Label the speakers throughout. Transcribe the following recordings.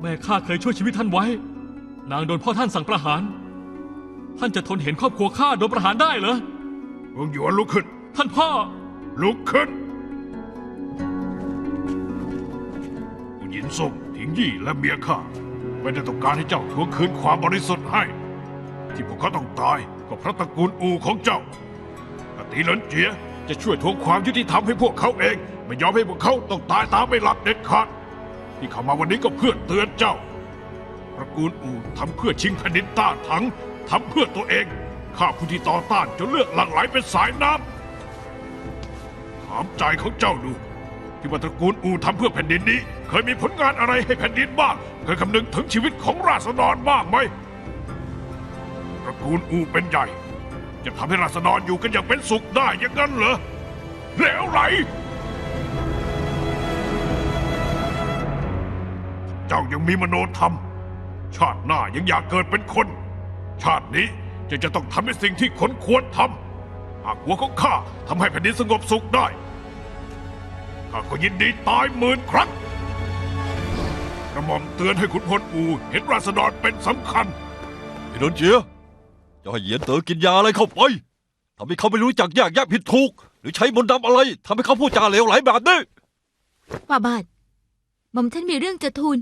Speaker 1: แม่ข้าเคยช่วยชีวิตท่านไว้นางโดนพ่อท่านสั่งประหารท่านจะทนเห็นครอบครัวข้าโดนประหารได้เหรอ
Speaker 2: เมืองหยวนลุกขึ้น
Speaker 1: ท่านพ่อ
Speaker 2: ลุกขึ้นผู้หญิงส้มถิงยี่และเมียข้าไม่ได้ต้องการให้เจ้าทวงคืนความบริสุทธิ์ให้ที่พวกเขาต้องตายก็เพราะตระกูลอูของเจ้าอติเหลินเจียจะช่วยทวงความยุติธรรมให้พวกเขาเองไม่ยอมให้พวกเขาต้องตายตามไม่หลับเด็ดขาดที่เข้ามาวันนี้ก็เพื่อเตือนเจ้าตระกูลอูทำเพื่อชิงแผ่นดินต้าถังทำเพื่อตัวเองข้าผู้ที่ต่อต้านจนเลือดหลั่งไหลเป็นสายน้ำถามใจของเจ้าดูที่ว่าตระกูลอูทำเพื่อแผ่นดินนี้เคยมีผลงานอะไรให้แผ่นดินบ้างเคยคำนึงถึงชีวิตของราษฎรบ้างไหมตระกูลอูเป็นใหญ่จะทำให้ราษฎรอยู่กันอย่างเป็นสุขได้อย่างนั้นเหรอแล้วไหลเจ้ายังมีมโนธรรมชาติหน้ายังอยากเกิดเป็นคนชาตินี้จะต้องทำในสิ่งที่คนควรทำหากหัวของข้าทำให้แผ่นดินสงบสุขได้ข้าก็ยินดีตาย10,000 ครั้งกระหม่อมเตือนให้ขุนพลอูเห็นราษฎรเป็นสำคัญ
Speaker 3: ไอ้ดนเจียจะให้เหยียนเต๋อกินยาอะไรเข้าไปทำให้เขาไม่รู้จักแยกแยะผิดถูกหรือใช้มนต์ดำอะไรทำให้เขาพูดจาเหลวไหลแบบนี้
Speaker 4: ฝ่าบาทหม่อมท่านมีเรื่องจะทูล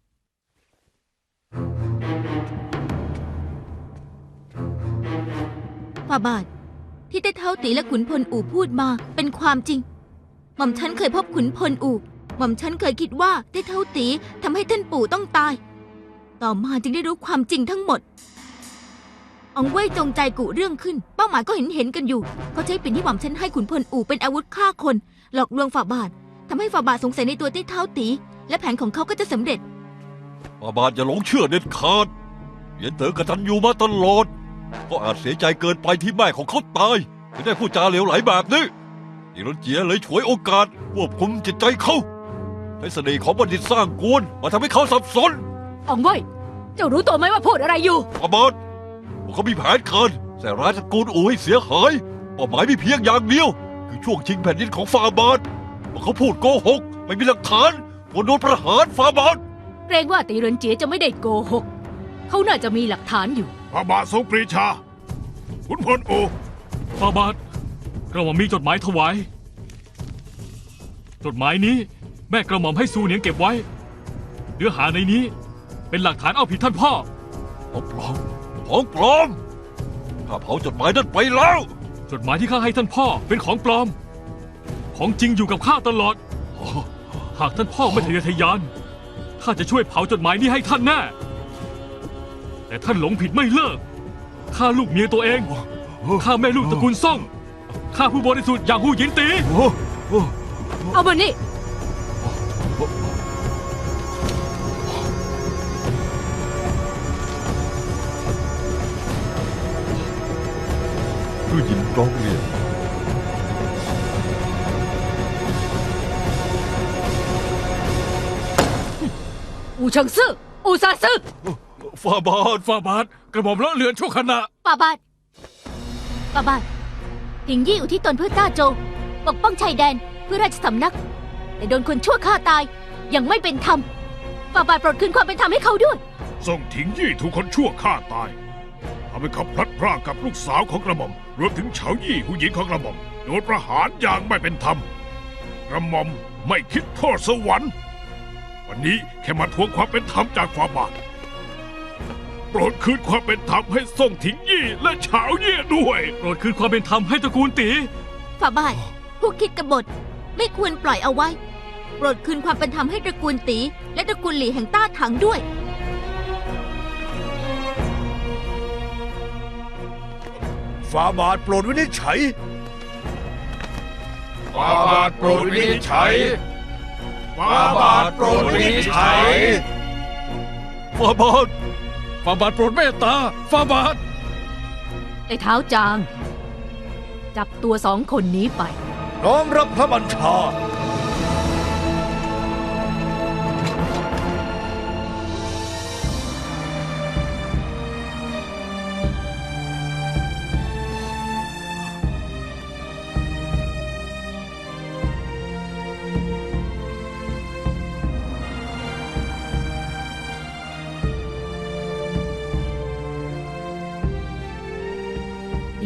Speaker 4: ฝ่าบาทที่ใต้เท้าตีและขุนพลอู่พูดมาเป็นความจริงหม่อมฉันเคยพบขุนพลอู่หม่อมฉันเคยคิดว่าใต้เท้าตีทำให้ท่านปู่ต้องตายต่อมาจึงได้รู้ความจริงทั้งหมดอองเว่ยจงใจกุเรื่องขึ้นเป้าหมายก็เห็นกันอยู่เขาใช้ปืนที่หม่อมฉันให้ขุนพลอู่เป็นอาวุธฆ่าคนหลอกลวงฝ่าบาททำให้ฝ่าบาทสงสัยในตัวใต้เท้าตีและแผนของเขาก็จะสำเร็จ
Speaker 3: ฝ่าบาทอย่าหลงเชื่อเด็ดขาดเหยียนเต๋อกตัญญูมาตลอดก็อาจเสียใจเกินไปที่แม่ของเขาตายถึงได้พูดจาเหลวไหลแบบนี้อีรนเจียเลยฉวยโอกาสควบคุมจิตใจเขาให้เสน่ห์ของบัณฑิตสร้างกวนมาทำให้เขาสับสน
Speaker 4: อองเว่ยเจ้ารู้ตัวไหมว่าพูดอะไรอยู่
Speaker 3: ฝ่าบาทพวกเขามีแผนการใส่ร้ายตระกูลอู่ให้เสียหายเป้าหมายมีเพียงอย่างเดียวคือช่วงชิงแผ่นดินของฝ่าบาทพวกเขาพูดโกหกไม่มีหลักฐานควรโดนประหารฝ่าบาท
Speaker 4: เกรงว่าตีเหรินเจียจะไม่ได้โกหกเขาน่าจะมีหลักฐานอยู่
Speaker 2: ฝ่าบาททรงปรีชาขุนพลอู
Speaker 1: ฝ่าบาทกระหม่อมมีจดหมายถวายจดหมายนี้แม่กระหม่อมให้ซูเหนียงเก็บไว้เนื้อหาในนี้เป็นหลักฐานเอาผิดท่านพ่อ
Speaker 3: ของปลอมข้าเผาจดหมายนั้นไปแล้ว
Speaker 1: จดหมายที่ข้าให้ท่านพ่อเป็นของปลอมของจริงอยู่กับข้าตลอดหากท่านพ่อไม่ทะเยอทะยานข้าจะช่วยเผาจดหมายนี้ให้ท่านแน่แต่ท่านหลงผิดไม่เลิกข้าลูกเมียตัวเองข้าแม่ลูกตระกูลซ่งข้าผู้บริสุทธิ์อย่างหูหยินตี
Speaker 4: เอามานี่
Speaker 3: ผู้หญิงร้องเรียน
Speaker 4: อูเฉิงซื่ออูซาซื่อ
Speaker 1: ฝ่าบาทกระหม่อมเลอะเลือนชั่วขณะ
Speaker 4: ฝ่าบาทถิงยี่อุทิศตนเพื่อต้าโจปกป้องชายแดนเพื่อราชสำนักแต่โดนคนชั่วฆ่าตายยังไม่เป็นธรรมฝ่าบาทโปรดคืนความเป็นธรรมให้เขาด้วย
Speaker 2: ส่งถิงยี่ถูกคนชั่วฆ่าตายทำให้เขาพลัดพรากกับลูกสาวของกระหม่อมรวมถึงเฉายี่ผู้หญิงของกระหม่อมโดนประหารอย่างไม่เป็นธรรมกระหม่อมไม่คิดโทษสวรรค์วันนี้แค่มาทวงความเป็นธรรมจากฝ่าบาทโปรดคืนความเป็นธรรมให้ส่งถิงยี่และเฉายี่ด้วย
Speaker 1: โปรดคืนความเป็นธรรมให้ตระกูลตี
Speaker 4: ฝ่าบาทผู้คิดกบฏไม่ควรปล่อยเอาไว้โปรดคืนความเป็นธรรมให้ตระกูลตีและตระกูลหลี่แห่งต้าถังด้วย
Speaker 5: ฝ่าบาทโปรดวินิจฉัย
Speaker 2: ฝ่าบาทโปรดวินิจฉัยฝ่าบาทโปรดวินิจฉัย
Speaker 1: ฝ่าบาทโปรดเมตตาฝ่าบาท
Speaker 4: ไอ้เท้าจางจับตัว2 คนนี้ไป
Speaker 5: น้อมรับพระบัญชา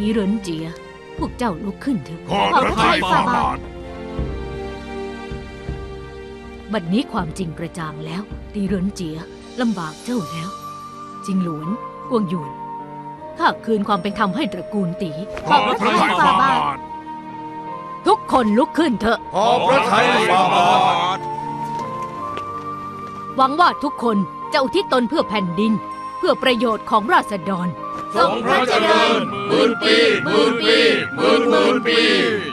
Speaker 6: เหรินเจีย พวกเจ้าลุกขึ้นเถอะ
Speaker 2: ขอพระทัยฝ่าบาท
Speaker 6: บัดนี้ความจริงกระจ่างแล้ว ตีเหรินเจียลำบากเจ้าแล้ว จิงหลวน กวงหยวน ข้าคืนความเป็นธรรมให้ตระกูลตี
Speaker 2: ขอพระทัยฝ่าบาท
Speaker 6: ทุกคนลุกขึ้นเถอะ
Speaker 5: ขอพระทัยฝ่าบาท
Speaker 6: หวังว่าทุกคนจะอุทิศตนเพื่อแผ่นดิน เพื่อประโยชน์ของราษฎร
Speaker 5: ทรงพระเจริญหมื่นปีหมื่นปีหมื่นปี